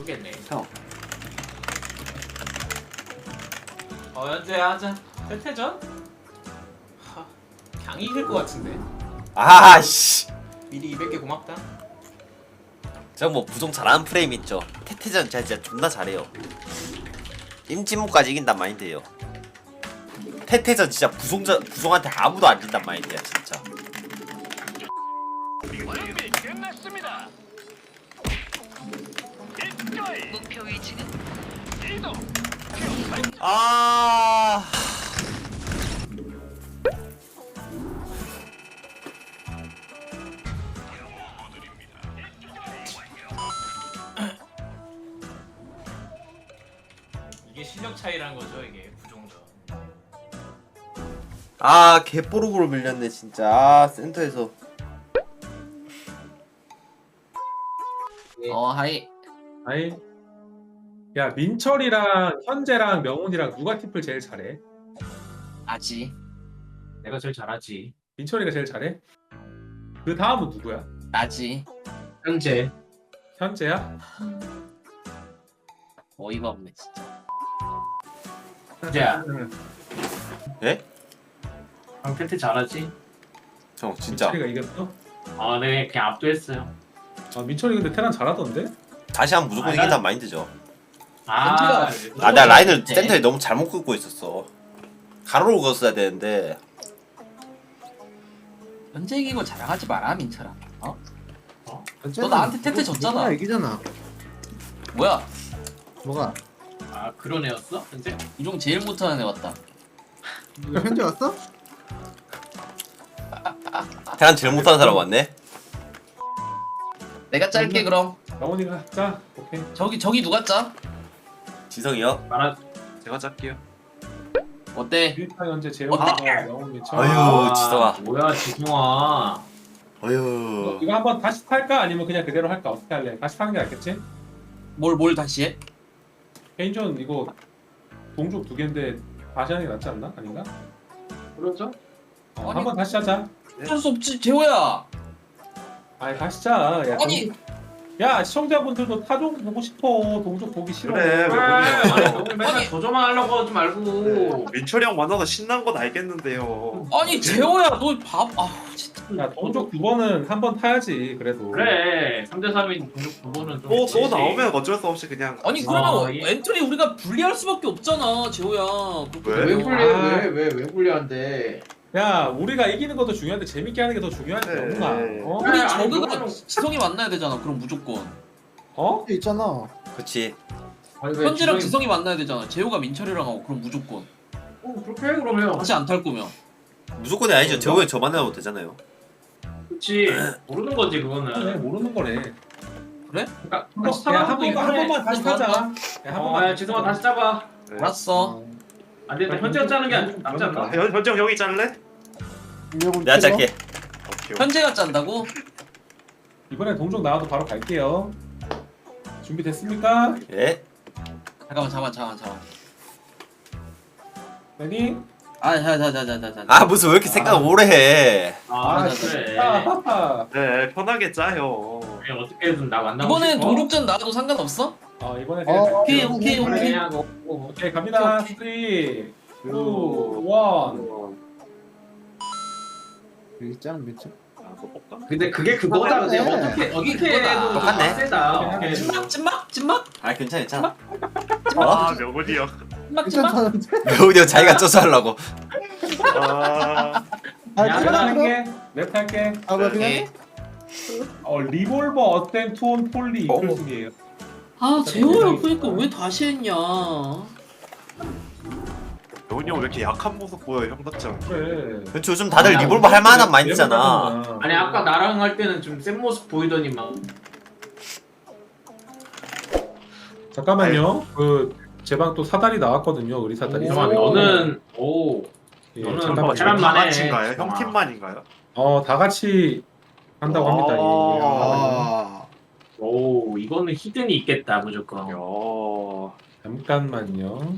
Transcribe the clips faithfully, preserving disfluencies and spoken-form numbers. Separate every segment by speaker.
Speaker 1: 모르겠네.
Speaker 2: 형.
Speaker 1: 어 현재 하자. 태태전? 하, 그냥 이길 것 같은데.
Speaker 2: 아씨.
Speaker 1: 미리 이백 개 고맙다.
Speaker 2: 저 뭐 부종 잘하는 프레임 있죠. 태태전 진짜, 진짜 존나 잘해요. 임진묵까지 이긴단 마인드예요. 태태전 진짜 부종자 부종한테 아무도 안 진단 마인드야 진짜.
Speaker 3: 준비 끝났습니다. 입가이
Speaker 4: 목표 위치는
Speaker 3: 이동.
Speaker 2: 아.
Speaker 1: 이게 실력 차이라는 거죠 이게 부종전.
Speaker 2: 아 개뽀록으로 밀렸네 진짜. 아, 센터에서.
Speaker 5: 어 하이.
Speaker 6: 아이, 야 민철이랑 현재랑 명훈이랑 누가 팁을 제일 잘해?
Speaker 5: 아지.
Speaker 1: 내가 제일 잘하지.
Speaker 6: 민철이가 제일 잘해? 그 다음은 누구야?
Speaker 5: 나지.
Speaker 1: 현재.
Speaker 6: 현재야?
Speaker 5: 어이가 없네 진짜.
Speaker 1: 현재야.
Speaker 2: 예?
Speaker 1: 형 태태 잘하지?
Speaker 2: 형 진짜.
Speaker 6: 민철이가 이겼어?
Speaker 1: 아 네 그냥 압도했어요.
Speaker 6: 아 민철이 근데 테란 잘하던데?
Speaker 2: 다시 하면 무조건
Speaker 1: 아,
Speaker 2: 이긴단
Speaker 1: 난-
Speaker 2: 마인드죠.
Speaker 1: 아,
Speaker 2: 아 내가 라인을
Speaker 5: 네.
Speaker 2: 센터에 너무 잘못 긋고 있었어. 가로로 긋었어야 되는데.
Speaker 5: 현재 이기고 자랑하지 마라 민철아. 어?
Speaker 7: 너
Speaker 5: 나한테 태태 졌잖아.
Speaker 7: 이기잖아.
Speaker 5: 뭐야?
Speaker 7: 뭐가?
Speaker 1: 아 그런 애였어? 현재?
Speaker 5: 이종 제일 못하는 애 왔다.
Speaker 7: 이거 현재 왔어?
Speaker 2: 테란 제일 못하는 사람 왔네.
Speaker 5: 내가 짤게 그럼.
Speaker 6: 명훈이가 자 오케이.
Speaker 5: 저기 저기 누가 짜?
Speaker 2: 지성이요?
Speaker 1: 말아.
Speaker 8: 제가 짤게요.
Speaker 5: 어때?
Speaker 6: 일타 현재 재호
Speaker 5: 어때?
Speaker 6: 명훈 민철.
Speaker 2: 아유, 지성아.
Speaker 1: 뭐야 지성아.
Speaker 2: 어휴.
Speaker 6: 이거 한번 다시 탈까 아니면 그냥 그대로 할까? 어떻게 할래? 다시 타는 게 낫겠지?
Speaker 5: 뭘 뭘 다시 해?
Speaker 6: 개인전 이거 동족 두 개인데 다시 하는 게 낫지 않나? 아닌가?
Speaker 1: 그러죠?
Speaker 6: 어,
Speaker 5: 아니.
Speaker 6: 한번 다시 하자.
Speaker 5: 어쩔 수 없지 재호야.
Speaker 6: 아이 다시 자. 야,
Speaker 5: 아니.
Speaker 6: 동족- 야 시청자분들도 타종 보고 싶어. 동족 보기 싫어.
Speaker 8: 그래, 왜
Speaker 1: 아니
Speaker 8: 그래요?
Speaker 1: 너무 맨날 저조만 하려고 하지 말고.
Speaker 8: 민철이 형 만나서 신난 건 알겠는데요.
Speaker 5: 아니 재호야 너 밥. 아 진짜.
Speaker 6: 야 동족 두 번은 한 번 타야지 그래도.
Speaker 1: 그래 삼 대 삼인 동족 두 번은 좀.
Speaker 8: 또, 또
Speaker 1: 있지.
Speaker 8: 나오면 어쩔 수 없이 그냥.
Speaker 5: 아니
Speaker 1: 아,
Speaker 5: 그러면
Speaker 1: 예.
Speaker 5: 엔트리 우리가 불리할 수밖에 없잖아 재호야.
Speaker 8: 왜?
Speaker 1: 왜 불리해?
Speaker 6: 아.
Speaker 1: 왜왜왜 불리한데?
Speaker 6: 야 우리가 이기는 것도 중요한데 재밌게 하는 게 더 중요하지
Speaker 8: 네.
Speaker 6: 영훈아. 어?
Speaker 5: 우리
Speaker 1: 아니,
Speaker 5: 저그가
Speaker 1: 그거는-
Speaker 5: 지성이 만나야 되잖아. 그럼 무조건.
Speaker 6: 어?
Speaker 7: 있잖아.
Speaker 2: 그치.
Speaker 1: 아니, 왜
Speaker 5: 현지랑
Speaker 1: 지성이-
Speaker 5: 지성이 만나야 되잖아. 재호가 민철이랑 하고 그럼 무조건.
Speaker 1: 어, 그렇게 해 그러면.
Speaker 5: 다시 안 탈 거면.
Speaker 2: 무조건이 아니죠. 재호이 저 만나면 되잖아요.
Speaker 1: 그렇지. 모르는 거지
Speaker 6: 그래
Speaker 1: 그거는.
Speaker 6: 모르는 거네.
Speaker 5: 그래?
Speaker 1: 그러니까
Speaker 6: 한 번, 야, 한 번만 한 번만 다시 타자. 야, 한
Speaker 1: 어,
Speaker 6: 번만.
Speaker 1: 야, 지성아 다시 잡아.
Speaker 8: 네.
Speaker 5: 알았어.
Speaker 1: 안 돼, 나 현재 짜는 게 안- 낫지 않나?
Speaker 8: 아, 현, 현재 형 형이 짤래?
Speaker 2: 내가 짤게.
Speaker 8: 오케이.
Speaker 5: 현재가 짠다고?
Speaker 6: 이번에 동족 나와도 바로 갈게요. 준비됐습니까?
Speaker 2: 예?
Speaker 5: 잠깐만 잠깐만 잠깐만 잠깐만.
Speaker 6: 레디?
Speaker 5: 아, 자자자자자자.
Speaker 2: 아 무슨 왜 이렇게 생각 오래 해?
Speaker 1: 아,
Speaker 5: 아,
Speaker 1: 그래.
Speaker 6: 아,
Speaker 8: 네, 편하게 짜요.
Speaker 1: 그래, 어떻게든 나 만나고
Speaker 5: 이번엔
Speaker 1: 싶어.
Speaker 5: 동족전 나와도 상관없어?
Speaker 6: 어 이번에
Speaker 7: 어,
Speaker 6: 그냥
Speaker 5: 오케이
Speaker 6: 갈게요.
Speaker 5: 오케이
Speaker 1: 그래,
Speaker 5: 오케이.
Speaker 1: 그냥 뭐, 뭐,
Speaker 6: 오케이 갑니다.
Speaker 5: 오케이,
Speaker 6: 삼, 이, 일.
Speaker 7: 여기 짱 미쳐.
Speaker 8: 아, 뭐 볼까?
Speaker 1: 근데 그게 그거다. 근데
Speaker 7: 똑같네.
Speaker 1: 어떻게
Speaker 5: 여기
Speaker 1: 어떻게
Speaker 5: 그거다.
Speaker 1: 해도
Speaker 2: 똑같네.
Speaker 1: 세다. 어떻게 해도.
Speaker 5: 찐막 찐막 찐막
Speaker 2: 아 괜찮아 괜찮아.
Speaker 8: 아, 명훈이 형.
Speaker 5: 찐막 찐막.
Speaker 7: 괜찮다는데?
Speaker 2: 매우디 형 자기가 쪄서 하려고.
Speaker 8: 아,
Speaker 7: 아,
Speaker 6: 야,
Speaker 7: 그래,
Speaker 6: 나
Speaker 7: 그래.
Speaker 6: 할게. 랩 할게.
Speaker 7: 아, 그래,
Speaker 5: 오케이.
Speaker 7: 그래.
Speaker 6: 어 리볼버 어땐 투온 폴리
Speaker 2: 어.
Speaker 6: 이클 중이에요.
Speaker 5: 아 재호야 그러니까 왜 다시 했냐?
Speaker 8: 명훈이 형 왜 이렇게 약한 모습 보여, 형답지 않게.
Speaker 6: 그래.
Speaker 2: 그렇죠. 요즘 다들 리볼버 할 만한 마인드잖아.
Speaker 1: 아니 아까 나랑 할 때는 좀 센 모습 보이더니만.
Speaker 6: 잠깐만요. 그 제 방 또 사다리 나왔거든요. 우리 사다리.
Speaker 1: 잠깐만 너는 오.
Speaker 6: 예,
Speaker 1: 너는
Speaker 6: 잠깐만요.
Speaker 1: 뭐 테란만
Speaker 8: 다
Speaker 1: 해.
Speaker 8: 같이인가요? 형
Speaker 1: 아.
Speaker 8: 팀만인가요?
Speaker 6: 어, 다 같이 한다고 합니다. 예.
Speaker 7: 아,
Speaker 1: 오 이거는 히든이 있겠다 무조건.
Speaker 8: 야.
Speaker 6: 잠깐만요.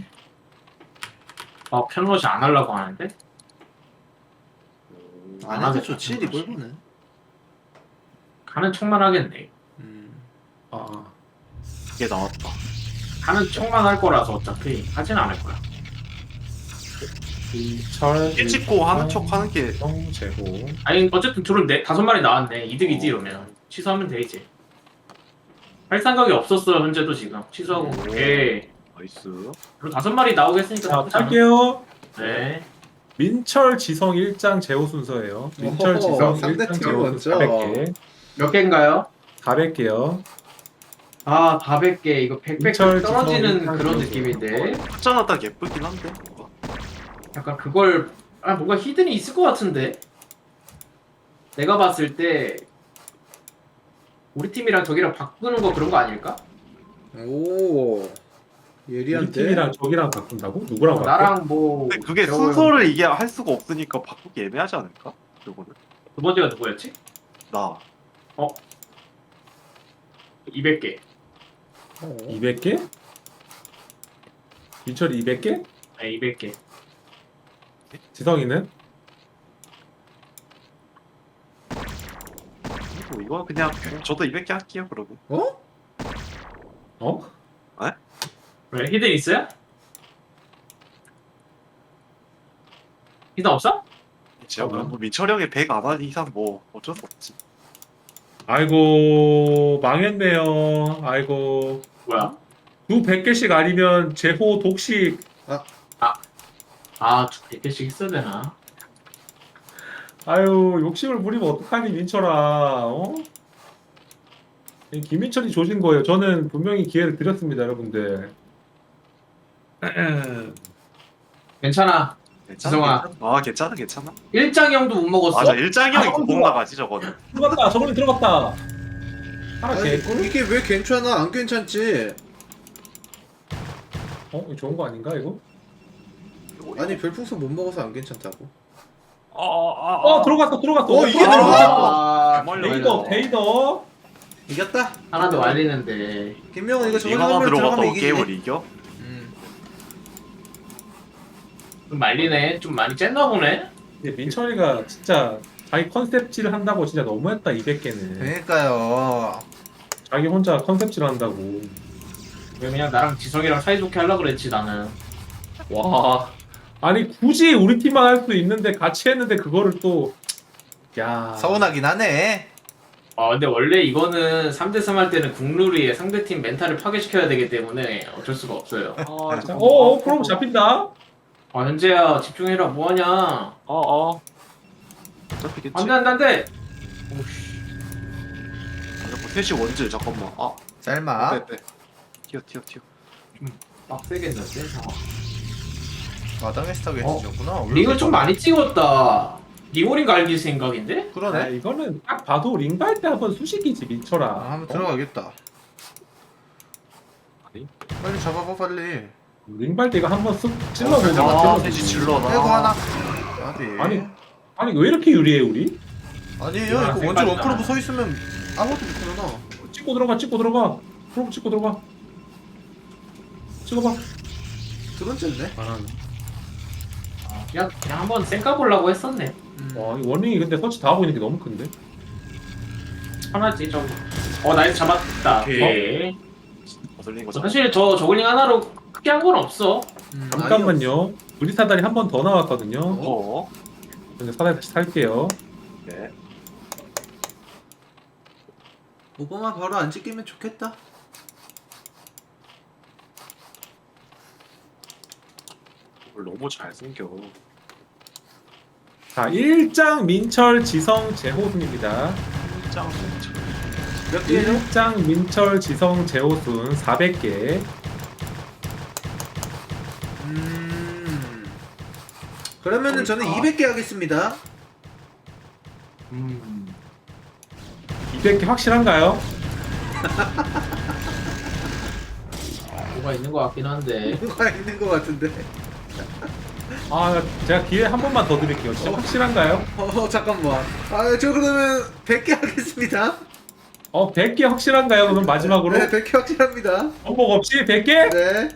Speaker 1: 어 편로시 안 하려고 하는데?
Speaker 7: 안 해도 좋지, 리볼브는.
Speaker 1: 가는 척만 하겠네.
Speaker 7: 음.
Speaker 6: 아, 아.
Speaker 8: 이게 나왔다.
Speaker 1: 하는 척만 할 거라서 어차피 하진 않을 거야.
Speaker 6: 민철
Speaker 8: 깨 찍고 하는 척 하는 게
Speaker 6: 지성 제호.
Speaker 1: 아니 어쨌든 둘은 네 다섯 마리 나왔네. 이득이지 이러면 취소하면 되지. 할 생각이 없었어 현재도 지금 취소하고
Speaker 8: 오.
Speaker 1: 그게
Speaker 8: 나이스.
Speaker 1: 그리고 다섯 마리 나오겠으니까
Speaker 6: 자,
Speaker 1: 나쁘지 않아.
Speaker 6: 갈게요.
Speaker 1: 네.
Speaker 6: 민철 지성 일 장 제호 순서예요. 민철
Speaker 7: 오호,
Speaker 6: 지성
Speaker 7: 상대
Speaker 6: 일 장
Speaker 7: 팀
Speaker 6: 제호
Speaker 7: 먼저.
Speaker 6: 순서 사백 개.
Speaker 1: 몇 개인가요?
Speaker 6: 사백 개요.
Speaker 1: 아 사백 개 이거 백백
Speaker 6: 민철
Speaker 1: 떨어지는
Speaker 6: 지성
Speaker 1: 그런
Speaker 6: 지성.
Speaker 1: 느낌인데
Speaker 8: 숫자나 딱 예쁘긴 한데.
Speaker 1: 약간 그걸 아 뭔가 히든이 있을 것 같은데 내가 봤을 때 우리 팀이랑 저기랑 바꾸는 거 그런 거 아닐까?
Speaker 7: 오
Speaker 6: 우리
Speaker 7: 예리한데.
Speaker 6: 팀이랑 저기랑 바꾼다고? 누구랑
Speaker 1: 어,
Speaker 6: 바꿔?
Speaker 1: 나랑 뭐
Speaker 8: 근데 그게
Speaker 1: 겨울-
Speaker 8: 순서를 이게 할 수가 없으니까 바꾸기 애매하지 않을까? 이거는
Speaker 1: 두 번째가 누구였지?
Speaker 8: 나.
Speaker 1: 이백 개.
Speaker 7: 어.
Speaker 6: 이백 개? 민철이 이백 개?
Speaker 1: 네, 이백 개.
Speaker 6: 지성이는?
Speaker 8: 뭐 이거 그냥 저도 이백 개 할게요 그러면.
Speaker 7: 어?
Speaker 6: 어?
Speaker 1: 왜 히든 있어요? 히든 없어?
Speaker 8: 제가
Speaker 6: 어.
Speaker 8: 뭐 민철이 형이 백 안 하는 이상 뭐 어쩔 수 없지.
Speaker 6: 아이고 망했네요. 아이고
Speaker 1: 뭐야?
Speaker 6: 두 백 개씩 아니면 제호 독식.
Speaker 1: 아, 백 개씩 있어야 되나?
Speaker 6: 아유 욕심을 부리면 어떡하니 민철아. 어? 이 김민철이 조진 거예요. 저는 분명히 기회를 드렸습니다 여러분들.
Speaker 1: 괜찮아. 지성아.
Speaker 8: 괜찮아. 아 괜찮아 괜찮아.
Speaker 1: 일장형도 못 먹었어.
Speaker 8: 맞아 일장이 형이
Speaker 6: 아,
Speaker 8: 구멍
Speaker 6: 좋아.
Speaker 8: 나가지 저거는.
Speaker 6: 들어갔다. 저번에 들어갔다. 하나
Speaker 7: 아니
Speaker 6: 개꿀?
Speaker 7: 이게 왜 괜찮아? 안 괜찮지?
Speaker 6: 어? 이거 좋은 거 아닌가 이거?
Speaker 7: 아니 별풍선 못 먹어서 안 괜찮다고.
Speaker 8: 아아
Speaker 6: 어 들어갔어 들어갔어.
Speaker 7: 어, 이게
Speaker 6: 아,
Speaker 7: 들어갔어?
Speaker 1: 아,
Speaker 6: 데이더 데이더.
Speaker 7: 이겼다.
Speaker 1: 하나도 말리는데.
Speaker 7: 김명은 이거 저번에
Speaker 8: 이거만
Speaker 7: 한번
Speaker 8: 들어갔다고
Speaker 7: 들어가면 이기지.
Speaker 8: 게임을 이겨?
Speaker 7: 음.
Speaker 1: 좀 말리네. 좀 많이 쨌나 보네.
Speaker 6: 근데 민철이가 진짜 자기 컨셉질 한다고 진짜 너무했다 이백 개는.
Speaker 7: 그러니까요.
Speaker 6: 자기 혼자 컨셉질 한다고.
Speaker 1: 왜 그냥 나랑 지성이랑 사이좋게 하려고 그랬지 나는.
Speaker 6: 와. 아니 굳이 우리 팀만 할 수 있는데 같이 했는데 그거를 또. 야.
Speaker 7: 서운하긴 하네.
Speaker 1: 아 근데 원래 이거는 삼 대 삼 할 때는 국룰이에 상대팀 멘탈을 파괴시켜야 되기 때문에 어쩔 수가 없어요.
Speaker 8: 아
Speaker 6: 자, 어, 어, 그럼 잡힌다.
Speaker 1: 아 현재야 집중해라 뭐하냐.
Speaker 8: 어어. 잡히겠지.
Speaker 1: 안돼 안돼 안돼.
Speaker 8: 뭐 셋이 원질 잠깐만. 아
Speaker 7: 짤마.
Speaker 8: 빼 빼. 튀어 튀어 튀어.
Speaker 1: 빡세겠는데 상황.
Speaker 7: 마당에 스타게
Speaker 1: 어?
Speaker 7: 해주셨구나.
Speaker 1: 링을 좀 많이 찍었다. 링오링 갈길 생각인데?
Speaker 6: 아,
Speaker 7: 그러네.
Speaker 6: 이거는 딱 봐도 링발 때 한번 수식이지 민철아.
Speaker 7: 아, 한번 들어가겠다.
Speaker 8: 아니?
Speaker 7: 빨리 잡아봐 빨리.
Speaker 6: 링발 때 이거 한번 쓱 찔러보자.
Speaker 8: 아
Speaker 6: 찔러보자.
Speaker 8: 셋이 질러나.
Speaker 7: 빼고 하나. 아니.
Speaker 6: 아니 아니 왜 이렇게 유리해 우리?
Speaker 7: 아니에요.
Speaker 1: 아,
Speaker 7: 이거 먼저
Speaker 1: 생각이
Speaker 7: 원크로브
Speaker 1: 나.
Speaker 7: 서 있으면 아무것도 못하잖아.
Speaker 6: 찍고 들어가 찍고 들어가. 프로브 찍고 들어가. 찍어봐.
Speaker 7: 드론째네.
Speaker 1: 그냥 그냥 한번 쌩까 보려고 했었네.
Speaker 7: 음.
Speaker 6: 와, 이 원링이 근데 서치 다 하고 있는 게 너무 큰데?
Speaker 1: 하나지 좀. 어 나이스 잡았다.
Speaker 8: 오케이.
Speaker 1: 오케이.
Speaker 8: 거슬린 거 잡.
Speaker 1: 사실 저 저글링 하나로 크게 한 건 없어.
Speaker 7: 음,
Speaker 6: 잠깐만요. 우리 사다리 한 번 더 나왔거든요.
Speaker 8: 어.
Speaker 6: 근데 사다리 다시 살게요.
Speaker 8: 네.
Speaker 7: 오버만 바로 안 찍히면 좋겠다.
Speaker 8: 뭘 너무 잘생겨.
Speaker 6: 자, 일 장 민철 지성 제호순입니다.
Speaker 8: 짱.
Speaker 7: 몇 개죠?
Speaker 6: 일 장 민철 지성 제호순 사백 개.
Speaker 7: 음. 그러면은 저는
Speaker 8: 아.
Speaker 7: 이백 개 하겠습니다.
Speaker 1: 음.
Speaker 6: 이백 개 확실한가요?
Speaker 1: 뭐가 있는 것 같긴 한데.
Speaker 7: 뭐가 있는 것 같은데.
Speaker 6: 아, 제가 기회 한 번만 더 드릴게요. 진짜 확실한가요?
Speaker 7: 어 잠깐만. 아 저 그러면 백 개 하겠습니다.
Speaker 6: 어, 백 개 확실한가요? 그럼 마지막으로?
Speaker 7: 네, 백 개 확실합니다.
Speaker 6: 번복 없이 백 개?
Speaker 7: 네.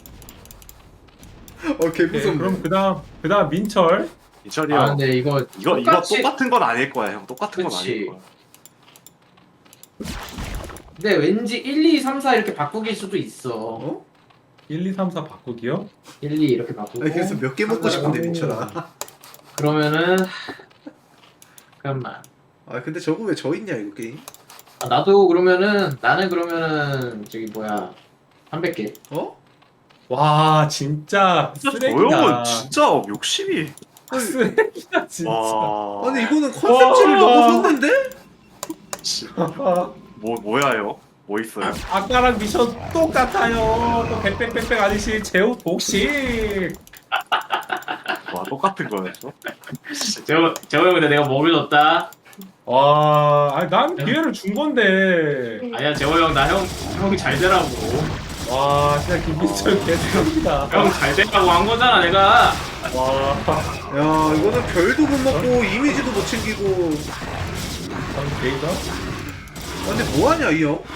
Speaker 7: 어, 개
Speaker 6: 네,
Speaker 7: 무섭네.
Speaker 6: 그럼 그다음 그다음 민철.
Speaker 8: 이철이
Speaker 1: 아
Speaker 8: 형.
Speaker 1: 근데 이거
Speaker 8: 이거 이거
Speaker 1: 똑같이-
Speaker 8: 똑같은 건 아닐 거야 형. 똑같은 건
Speaker 1: 그치.
Speaker 8: 아닐 거야.
Speaker 1: 근데 왠지 일, 이, 삼, 사 이렇게 바꾸길 수도 있어.
Speaker 7: 어?
Speaker 6: 일, 이, 삼, 사 바꾸기요?
Speaker 1: 일, 이 이렇게 바꾸고.
Speaker 7: 아니 그래서 몇 개 먹고 싶은데
Speaker 1: 오.
Speaker 7: 민철아.
Speaker 1: 그러면은 잠깐만.
Speaker 7: 아 근데 저거 왜 저 있냐 이거 게임?
Speaker 1: 아, 나도 그러면은 나는 그러면은 저기 뭐야 삼백 개.
Speaker 7: 어?
Speaker 6: 와 진짜
Speaker 8: 진짜 저
Speaker 6: 쓰레기다.
Speaker 8: 형은 진짜 욕심이.
Speaker 6: 쓰레기다 진짜.
Speaker 8: 와.
Speaker 7: 아니 이거는 컨셉지를
Speaker 6: 와.
Speaker 7: 넘어섰는데?
Speaker 8: 씨,
Speaker 6: 아,
Speaker 8: 뭐 뭐야요? 뭐 있어요?
Speaker 6: 아까랑 미션 똑같아요. 또 백백백백 아저씨 제우 독식.
Speaker 8: 와 똑같은 거였어?
Speaker 1: 저 저거 근데 내가 뭐를 줬다.
Speaker 6: 와, 아니 난 기회를 준 건데.
Speaker 1: 아니야 재호 형 나 형 형이 잘 되라고.
Speaker 6: 와, 진짜 김민철 개쓰레기다.
Speaker 1: 형 잘 되라고 한 거잖아 내가.
Speaker 6: 와,
Speaker 7: 야 이거는 별도 못 먹고 이미지도 못 챙기고.
Speaker 6: 난 개이다.
Speaker 7: 아, 근데 뭐하냐 이 형?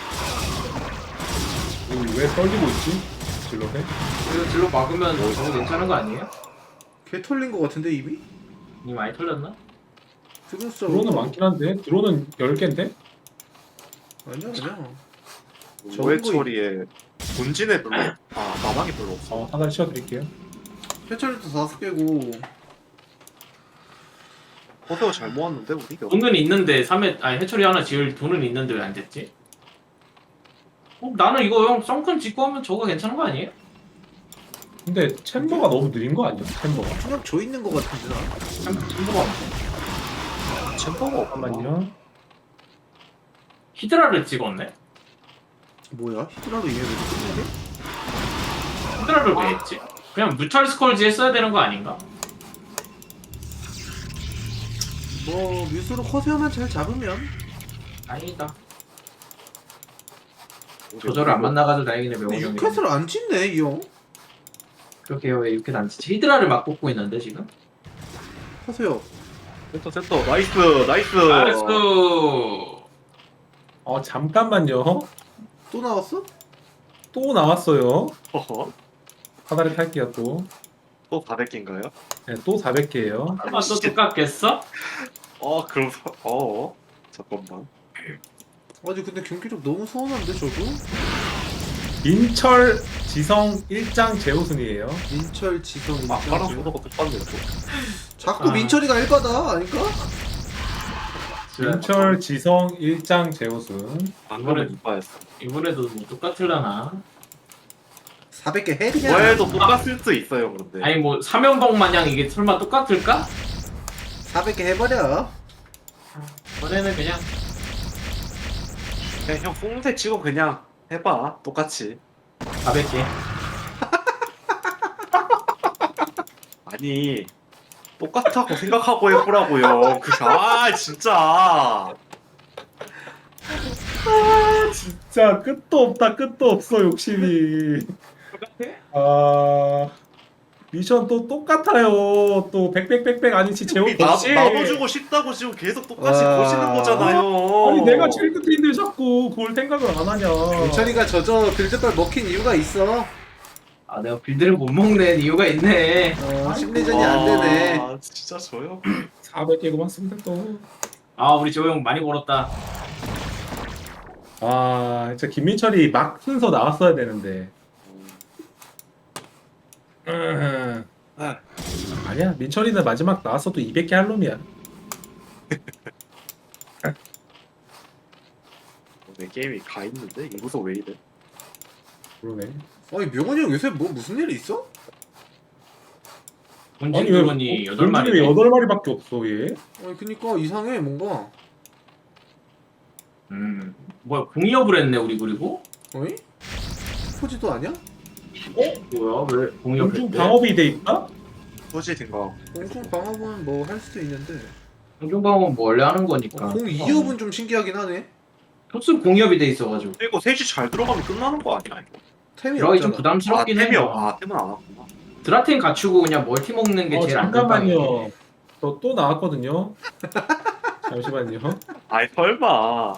Speaker 6: 왜 떨리고 있지? 질러해?
Speaker 1: 이거 질로 막으면 저거 괜찮은 거 아니에요?
Speaker 7: 개 털린 거 같은데 입이?
Speaker 1: 니 많이 털렸나?
Speaker 7: 드론 숫자
Speaker 6: 드론은 많긴 한데 드론은 열 개인데?
Speaker 7: 아니야 아니야.
Speaker 8: 오해 처리에 본진에 별로 아 마방이 별로 없어.
Speaker 6: 어, 하나 씌워드릴게요.
Speaker 7: 해철도 다섯 개고.
Speaker 8: 허세어 잘 모았는데 우리가.
Speaker 1: 돈은 있는데 삼회 아니 해처리 하나 지을 돈은 있는데 왜 안 됐지? 어, 나는 이거 형 썬큰 짓고 하면 저거 괜찮은 거 아니에요?
Speaker 6: 근데 챔버가 너무 느린 거 아니야? 챔버가.
Speaker 7: 그냥 저 있는 거 같은데 나.
Speaker 1: 참 참고가 없네.
Speaker 8: 챔버가
Speaker 6: 잠깐만요.
Speaker 1: 히드라를 찍었네?
Speaker 7: 뭐야? 히드라로 이해를 끝내게?
Speaker 1: 히드라를 왜 했지? 그냥 무탈 스컬지 했어야 되는 거 아닌가?
Speaker 7: 뭐 뮤스로 커세어만 잘 잡으면.
Speaker 1: 아니다. 조절을 안 만나가지고 다행이네
Speaker 7: 근데
Speaker 1: 명호 형이.
Speaker 7: 육회를 안 짓네 이 형.
Speaker 1: 그렇게 왜 이렇게 안 치지? 히드라를 막 뽑고 있는데 지금?
Speaker 7: 커세어.
Speaker 8: 센터 센터 나이스 나이스.
Speaker 1: 나이스!
Speaker 6: 어, 잠깐만요.
Speaker 7: 또 나왔어?
Speaker 6: 또 나왔어요.
Speaker 8: 어허.
Speaker 6: 하나를 탈게요 또.
Speaker 8: 또 사백 개인가요?
Speaker 6: 네, 또 사백 개예요.
Speaker 1: 설마 또 똑같겠어?
Speaker 8: 어 그럼 사- 어 잠깐만.
Speaker 7: 아니 근데 경기력 너무 서운한데 저도?
Speaker 6: 민철, 지성, 일장 재우순이에요.
Speaker 7: 민철, 지성,
Speaker 8: 아까랑
Speaker 7: 민철.
Speaker 8: 소도가 똑같네요. 또.
Speaker 7: 자꾸
Speaker 1: 아.
Speaker 7: 민철이가 일바다 아닐까?
Speaker 6: 민철, 지성, 일장 재우순.
Speaker 8: 방금은 이빠였어.
Speaker 1: 이번에도 뭐 똑같을라나?
Speaker 7: 사백 개 해 그냥.
Speaker 8: 뭐해도 똑같을 수 있어요 그런데.
Speaker 1: 아니 뭐 삼연봉 마냥 이게 설마 똑같을까?
Speaker 7: 사백 개 해버려.
Speaker 1: 이번에는 그냥
Speaker 8: 그냥 형 뽕대 치고 그냥 해봐 똑같이.
Speaker 1: 사백 개.
Speaker 8: 아니 똑같다고 생각하고 해보라고요. 그아 진짜.
Speaker 6: 진짜 끝도 없다 끝도 없어 욕심이. 아 미션 또 똑같아요. 또 백백백백 아니지 재우
Speaker 8: 우리 나,
Speaker 6: 독식.
Speaker 8: 나도 주고 싶다고 지금 계속 똑같이
Speaker 7: 와.
Speaker 8: 보시는 거잖아요.
Speaker 6: 아니 내가 제일 끝에 있는데 자꾸 그걸 생각을 안 하냐.
Speaker 7: 민철이가 저저 빌드걸 먹힌 이유가 있어.
Speaker 1: 아 내가 빌드를 못 먹는 이유가 있네.
Speaker 7: 어, 심리전이 안 되네.
Speaker 8: 아 진짜 저요?
Speaker 6: 사백 개 고맙습니다 또.
Speaker 1: 아 우리 재호 형 많이 벌었다.
Speaker 6: 아 진짜 김민철이 막 순서 나왔어야 되는데. 음.
Speaker 8: 아.
Speaker 6: 아니야 민철이는 마지막 나왔어도 이백 개 할 놈이야.
Speaker 8: 내 게임이 가 있는데 이구서 왜 이래?
Speaker 6: 그러네.
Speaker 7: 아니 명훈이 형 요새 뭐 무슨 일 있어?
Speaker 1: 본진
Speaker 6: 아니 왜
Speaker 1: 드론이 여덟 마리.
Speaker 6: 왜 여덟 마리밖에 없어 얘?
Speaker 7: 아니 그니까 이상해 뭔가.
Speaker 1: 음 뭐야 공이업을 했네 우리 그리고?
Speaker 7: 어이? 포지도 아니야?
Speaker 1: 어? 뭐야 왜 공이업
Speaker 6: 공중
Speaker 1: 했대?
Speaker 6: 방업이 돼 있다?
Speaker 8: 소지 된거
Speaker 7: 공중 방어은 뭐 할 수도 있는데.
Speaker 1: 공중 방어는 뭐 원래 하는 거니까.
Speaker 7: 어, 공 이업은 좀 신기하긴 하네.
Speaker 1: 토스 공이업이 돼 있어가지고.
Speaker 8: 그리고 셋이 잘 들어가면 끝나는 거 아니야 이거?
Speaker 7: 템이
Speaker 1: 들어가기 좀
Speaker 7: 없잖아.
Speaker 8: 아
Speaker 1: 부담스럽긴
Speaker 8: 템이
Speaker 1: 해요.
Speaker 8: 없- 아 템은 안 왔구나.
Speaker 1: 드라텐 갖추고 그냥 멀티 먹는 게
Speaker 6: 어,
Speaker 1: 제일 안전방이에요.
Speaker 6: 잠깐만요. 저 또 나왔거든요. 잠시만요.
Speaker 8: 아이 설마.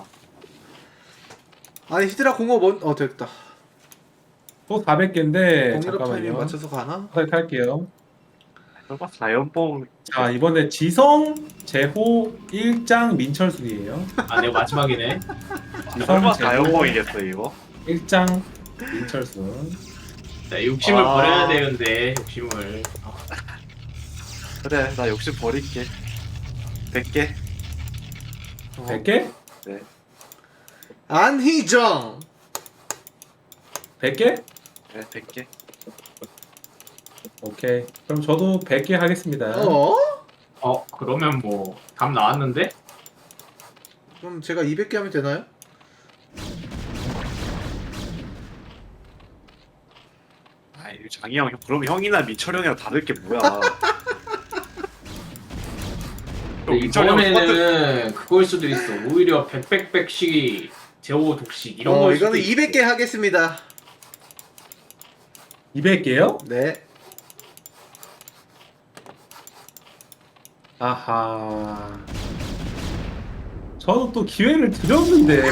Speaker 7: 아니 히드라 공업 원... 어 됐다.
Speaker 6: 또 사백 개인데
Speaker 7: 공유럽 타이밍
Speaker 6: 잠깐만요.
Speaker 7: 맞춰서 가나?
Speaker 6: 하나 탈게요.
Speaker 8: 설마 사연봉
Speaker 6: 자 이번에 지성, 재호, 일장, 민철순이에요.
Speaker 1: 아 내가 마지막이네.
Speaker 6: 지성,
Speaker 8: 설마
Speaker 6: 재호,
Speaker 8: 사연봉이겠어 이거?
Speaker 6: 일장, 민철순.
Speaker 1: 자, 욕심을
Speaker 8: 아.
Speaker 1: 버려야 되는데 욕심을. 아,
Speaker 8: 그래 나 욕심 버릴게. 백 개.
Speaker 6: 백 개?
Speaker 7: 안희정.
Speaker 6: 백 개?
Speaker 8: 네, 백 개.
Speaker 6: 오케이. 그럼 저도 백 개 하겠습니다.
Speaker 7: 어?
Speaker 1: 어 그러면 뭐 답 나왔는데?
Speaker 7: 그럼 제가 이백 개 하면 되나요?
Speaker 8: 아이 장이 형 그럼 형이나 민철 형이랑 다를 게 뭐야?
Speaker 1: 근데
Speaker 8: 민철 형 똑같은-
Speaker 1: 이번에는 그걸 수도 있어. 오히려 백백백씩 제호 독식 이런
Speaker 7: 어,
Speaker 1: 걸 수도
Speaker 7: 이거는
Speaker 1: 있어.
Speaker 7: 이백 개 하겠습니다.
Speaker 6: 이백 개요?
Speaker 7: 네.
Speaker 6: 아하. 저는 또 기회를 드렸는데.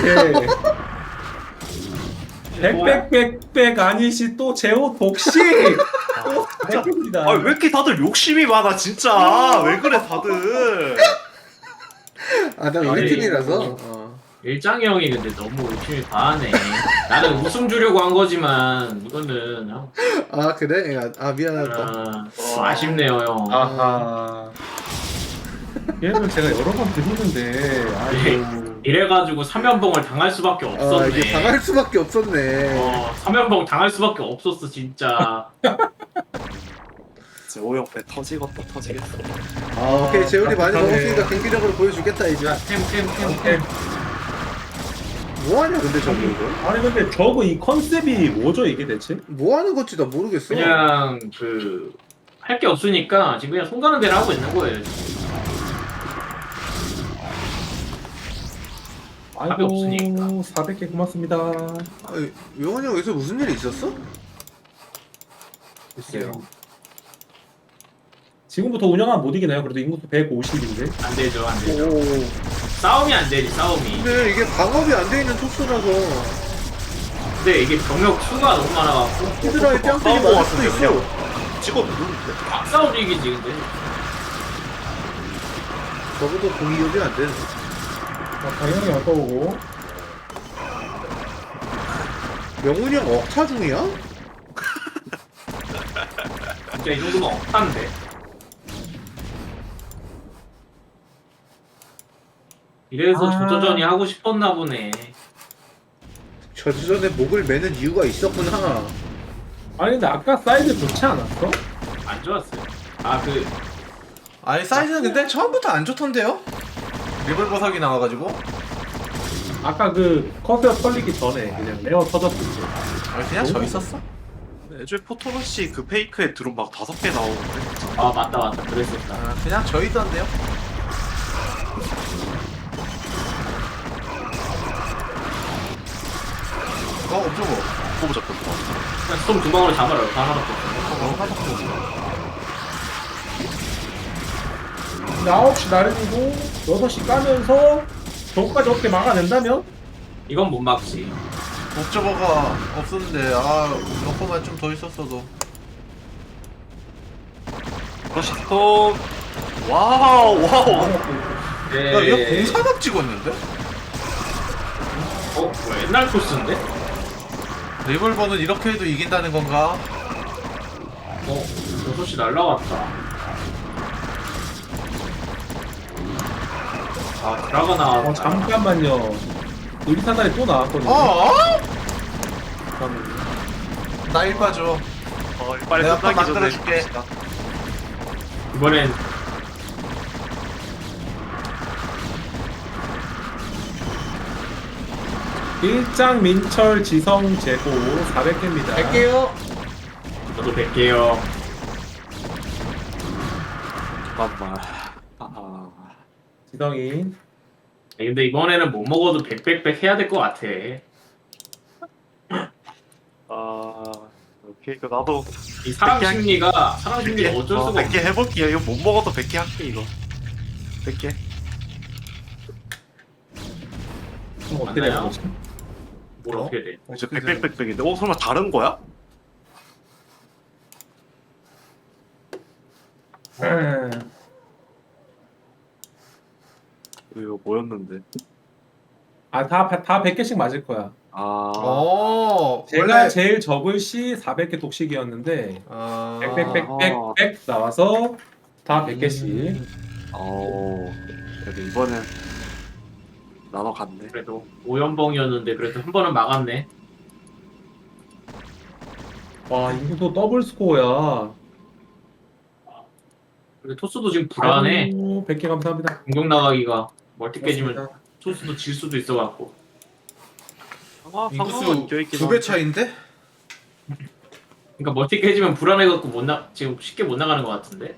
Speaker 6: 백백백백 아니시 또 제호 독식. 백 개입니다.
Speaker 8: 아 왜 이렇게 다들 욕심이 많아 진짜? 왜 그래 다들?
Speaker 7: 아, 나
Speaker 1: 아니,
Speaker 7: 우리 팀이라서.
Speaker 1: 이거-
Speaker 7: 어.
Speaker 1: 일장이 형이 근데 너무 욕심이 과하네. 나는 웃음 주려고 한 거지만 이거는 아,
Speaker 7: 아, 그래? 아, 아 미안하다.
Speaker 1: 아, 아쉽네요 형.
Speaker 6: 아하. 얘를 제가 여러 번 드리는데, 아이고.
Speaker 1: 이래가지고 삼연봉을 당할 수밖에
Speaker 7: 아,
Speaker 1: 없었네.
Speaker 7: 이게 당할 수밖에 없었네.
Speaker 1: 어, 삼연봉 당할 수밖에 없었어 진짜.
Speaker 8: 재호 형배 터지겠다 터지겠어.
Speaker 7: 아, 오케이. 재울이 많이
Speaker 6: 아,
Speaker 7: 먹었으니까 경기력으로 보여주겠다, 이제.
Speaker 6: 오케이.
Speaker 7: 뭐하냐, 근데 저기 이거?
Speaker 6: 아니 근데 저거 이 컨셉이 뭐죠 이게 대체?
Speaker 7: 뭐하는 건지 나 모르겠어.
Speaker 1: 그냥 그 할 게 없으니까 지금 그냥 손 가는 대로 하고 있는 거예요. 지금. 답이 없으니까.
Speaker 6: 아이고 사백 개 고맙습니다.
Speaker 7: 아니, 영원이 형 여기서 무슨 일이 있었어?
Speaker 1: 글쎄요.
Speaker 6: 지금부터 운영하면 못 이기나요? 그래도 인구수 백오십인데.
Speaker 1: 안 되죠, 안 되죠.
Speaker 7: 오.
Speaker 1: 싸움이 안 되지, 싸움이.
Speaker 7: 근데 이게 방업이 안 돼 있는 촉수라서
Speaker 1: 근데 이게 병력 수가 너무 많아갖고
Speaker 7: 히드라의 뺨때기
Speaker 8: 싸움
Speaker 7: 맞을 수도
Speaker 8: 같은데요?
Speaker 7: 있어.
Speaker 8: 찍어 누르는데.
Speaker 1: 막 싸움 이기지 근데.
Speaker 7: 적어도 공이업이 안 되는.
Speaker 6: 아, 당연히 아까우고.
Speaker 7: 명훈이 형 억차 중이야?
Speaker 1: 진짜 이 정도면 억탄데. 이래서
Speaker 6: 아.
Speaker 1: 조조전이 하고 싶었나 보네.
Speaker 7: 저전에 목을 매는 이유가 있었구나.
Speaker 6: 아니 근데 아까 사이즈 좋지 않았어?
Speaker 1: 안 좋았어요. 아 그
Speaker 4: 아니 사이즈는 근데 처음부터 안 좋던데요? 리볼버 사기 나와가지고
Speaker 6: 아까 그 커세어 털리기 전에 그냥 레어 터졌을 때.
Speaker 4: 아니 그냥 저 있었어.
Speaker 8: 애초에 포토러시 그 페이크에 드론 막 다섯 개 나오는데.
Speaker 1: 아 맞다 맞다 그랬었다.
Speaker 4: 아, 그냥 저 있던데요? 어 없죠 뭐.
Speaker 8: 뽑아 잡혔다.
Speaker 1: 그냥 스톰 두 방으로 잡아라. 다 하나 없어.
Speaker 4: 어, 하나밖에
Speaker 6: 근데 아홉 시 나른이고 여섯 시 까면서 저거까지 어떻게 막아낸다면?
Speaker 1: 이건 못 막지.
Speaker 4: 옵저버가 없었는데 아 러퍼만 좀 더 있었어도.
Speaker 8: 러시 스톱. 와우 와우.
Speaker 1: 네.
Speaker 4: 야 이거 공사각 찍었는데?
Speaker 1: 어? 뭐 옛날 코스인데?
Speaker 4: 리볼버는 이렇게 해도 이긴다는 건가?
Speaker 1: 어? 여섯 시 날라갔다. 아 드라가 나왔다.
Speaker 6: 어 잠깐만요. 의리사단이 또 나왔거든요.
Speaker 4: 어?
Speaker 6: 잠깐만요.
Speaker 4: 나일 빠져.
Speaker 8: 어, 빨리
Speaker 4: 내가 또
Speaker 8: 끝나기 전에
Speaker 4: 만들어줄게.
Speaker 8: 갑시다.
Speaker 1: 이번엔
Speaker 6: 일장 민철 지성 재고 사백 개입니다.
Speaker 7: 갈게요.
Speaker 1: 저도 뵐게요.
Speaker 8: 잠깐만. 아,
Speaker 6: 지성이.
Speaker 1: 근데 이번에는 못 먹어도 백백백 해야 될 것 같아.
Speaker 8: 아, 오케이. 그 나도
Speaker 1: 이 사람
Speaker 8: 백 개
Speaker 1: 심리가 사람 심리가 어쩔
Speaker 8: 어,
Speaker 1: 수가
Speaker 8: 백 개
Speaker 1: 없어.
Speaker 8: 해볼게요. 이거 못 먹어도 백 개 할게 이거. 백 개.
Speaker 6: 그럼 어떻게
Speaker 1: 맞나요?
Speaker 6: 되는 거지?
Speaker 1: 뭘
Speaker 4: 어?
Speaker 1: 어떻게 돼?
Speaker 8: 이제
Speaker 4: 어떻게
Speaker 8: 백백백백인데. 어 설마 다른 거야? 이거 뭐였는데?
Speaker 6: 아다다 백 개씩 맞을 거야.
Speaker 8: 아,
Speaker 4: 어
Speaker 6: 제가
Speaker 4: 원래
Speaker 6: 제일 적을 시 사백 개 독식이었는데
Speaker 4: 아
Speaker 6: 백백백백백 나와서 다 백 개씩.
Speaker 8: 어, 그래도 이번엔 나눠 갔네.
Speaker 1: 그래도 오연봉이었는데 그래도 한 번은 막았네.
Speaker 6: 와 이것도 더블 스코어야.
Speaker 1: 근데 토스도 지금 불안해.
Speaker 6: 백 개 감사합니다.
Speaker 1: 공격 나가기가 멀티 깨지면
Speaker 6: 고맙습니다.
Speaker 1: 토스도 질 수도 있어갖고.
Speaker 8: 상황 상황은
Speaker 4: 인구수
Speaker 8: 껴있긴
Speaker 4: 두 배 차인데?
Speaker 1: 그러니까 멀티 깨지면 불안해갖고 못 나 지금 쉽게 못 나가는 것 같은데.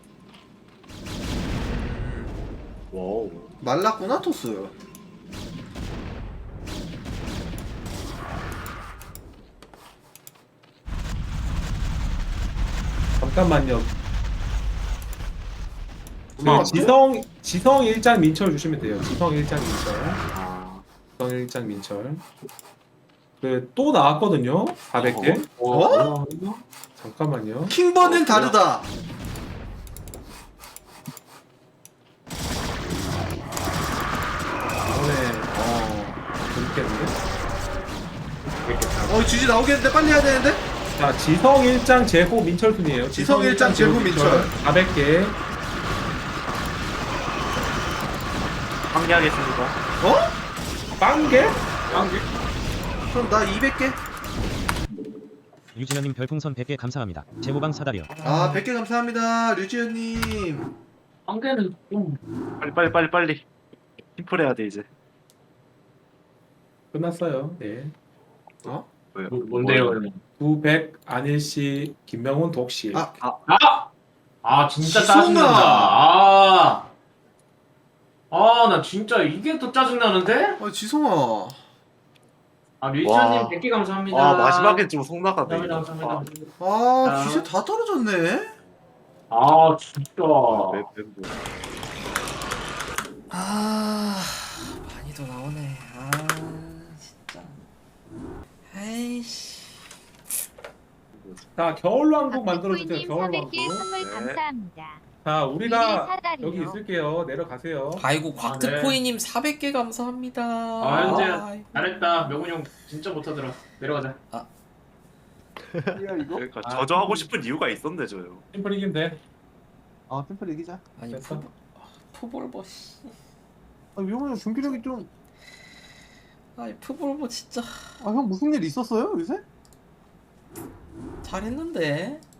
Speaker 8: 와우.
Speaker 4: 말랐구나 토스.
Speaker 6: 잠깐만요.
Speaker 8: 아,
Speaker 6: 그 지성 지성 일장 민철 주시면 돼요. 지성 일장 민철.
Speaker 8: 아,
Speaker 6: 지성 일장 민철. 그 또 나왔거든요. 사백 개.
Speaker 4: 어?
Speaker 6: 잠깐만요.
Speaker 4: 킹버는
Speaker 8: 어,
Speaker 4: 다르다.
Speaker 6: 이번에 어 재밌겠는데?
Speaker 4: 어 지지 나오겠는데 빨리 해야 되는데?
Speaker 6: 자 지성 일장 제호 민철 순이에요.
Speaker 4: 지성 일장 제호 민철.
Speaker 6: 사백 개.
Speaker 8: 상기하겠습니다.
Speaker 4: 어?
Speaker 6: 빵개?
Speaker 4: 그럼 나 이백 개.
Speaker 9: 유진현님 별풍선 백 개 감사합니다. 제보방 사다리요.
Speaker 4: 아 백 개 감사합니다 류지현님.
Speaker 1: 한 개는 좀
Speaker 8: 빨리 빨리 빨리 빨리. 팀플해야 돼 이제.
Speaker 6: 끝났어요. 네.
Speaker 4: 어?
Speaker 8: 뭐야?
Speaker 1: 뭐- 뭔데요?
Speaker 6: 구백 안일씨 김명훈 독실.
Speaker 4: 아
Speaker 1: 아! 아 진짜
Speaker 4: 지성아!
Speaker 1: 짜증난다. 아. 아, 나 진짜 이게 또 짜증나는데?
Speaker 4: 어, 지성아.
Speaker 1: 아, 류지현님
Speaker 8: 와.
Speaker 1: 백 개 감사합니다.
Speaker 8: 아 마지막엔 좀 속나가네.
Speaker 1: 감사합니다.
Speaker 8: 이거.
Speaker 1: 감사합니다.
Speaker 4: 아
Speaker 1: 아.
Speaker 4: 기세 다 떨어졌네.
Speaker 1: 아, 진짜.
Speaker 8: 아, 맵- 맵-
Speaker 5: 아 많이 더 나오네. 아 진짜. 에이씨.
Speaker 6: 자 겨울왕국 만들어주세요.
Speaker 10: 박구이님
Speaker 6: 겨울왕국.
Speaker 10: 사백 개 선물
Speaker 8: 네.
Speaker 10: 감사합니다.
Speaker 6: 자 우리가
Speaker 10: 미리 사다리요.
Speaker 6: 여기 있을게요. 내려가세요.
Speaker 5: 아이고
Speaker 1: 아,
Speaker 5: 곽트코이님 사백 개 감사합니다.
Speaker 1: 아, 현재
Speaker 5: 아이고.
Speaker 1: 잘했다. 명훈이 형 진짜 못하더라. 내려가자.
Speaker 8: 그러니까
Speaker 1: 아,
Speaker 8: 저저 하고 싶은 이유가 있었네 저요.
Speaker 6: 심플 이기면 돼.
Speaker 7: 아 템플 이기자.
Speaker 5: 아니
Speaker 6: 됐어.
Speaker 5: 푸, 푸볼버 씨.
Speaker 7: 아 위험해요. 경기력이 좀.
Speaker 5: 아이 푸볼버 진짜
Speaker 7: 아 형 무슨 일 있었어요 요새?
Speaker 5: 잘했는데.